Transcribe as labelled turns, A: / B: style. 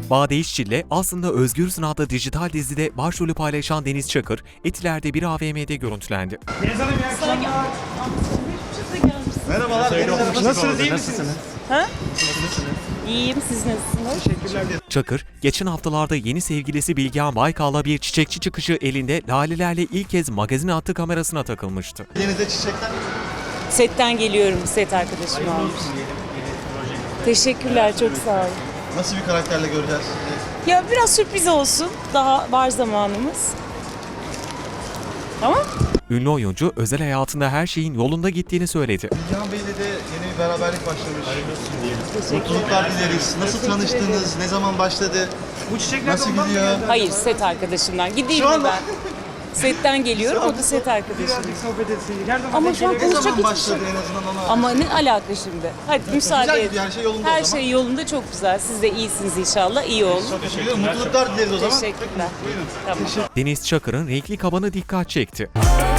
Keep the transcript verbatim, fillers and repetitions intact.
A: Bade İşçil'le Aslında Özgürsün adlı dijital dizide başrolü paylaşan Deniz Çakır, Etiler'de bir A V M'de görüntülendi.
B: Deniz Hanım iyi akşamlar.
C: Merhabalar Deniz Hanım.
B: Nasılsınız, iyi misiniz?
D: Ha? İyiyim, siz nasılsınız?
B: Teşekkürler.
A: Çakır, geçen haftalarda yeni sevgilisi Bilgehan Baykal'la bir çiçekçi çıkışı elinde lalelerle ilk kez magazin hattı kamerasına takılmıştı.
C: Denize çiçekler.
D: Setten geliyorum, set arkadaşım almış. Teşekkürler, çok sağ olun.
C: Nasıl bir karakterle göreceğiz sizi?
D: Ya biraz sürpriz olsun, daha var zamanımız. Tamam.
A: Ünlü oyuncu özel hayatında her şeyin yolunda gittiğini söyledi.
C: Bilgehan Bey'le de yeni bir beraberlik başlamış. Mutluluklar dileriz. Nasıl tanıştınız? Ne zaman başladı?
B: Bu çiçekler
C: Nasıl
B: ondan mı
C: gidiyor?
B: geldi?
D: Hayır, set arkadaşımdan. Gideyim
C: Şu
D: mi
C: anda-
D: ben? Setten geliyorum, o da set arkadaşım.
B: Birazcık sohbet etseydik. Her zaman
D: Ama
B: denk
D: şu an
B: geliyor.
C: Ne
D: konuşacak
C: zaman
D: hiçbir şey
C: başladı en azından ona?
D: Ama ne alaka şimdi? Hadi müsaade
C: Güzel
D: edin.
C: gidiyor, her şey yolunda o
D: Her
C: zaman.
D: şey yolunda, çok güzel. Siz de iyisiniz inşallah, iyi olun.
C: Çok teşekkür ederim. Mutluluklar dileriz o zaman.
D: Teşekkürler.
C: Buyurun.
D: Tamam.
A: Deniz Çakır'ın renkli kabanı dikkat çekti.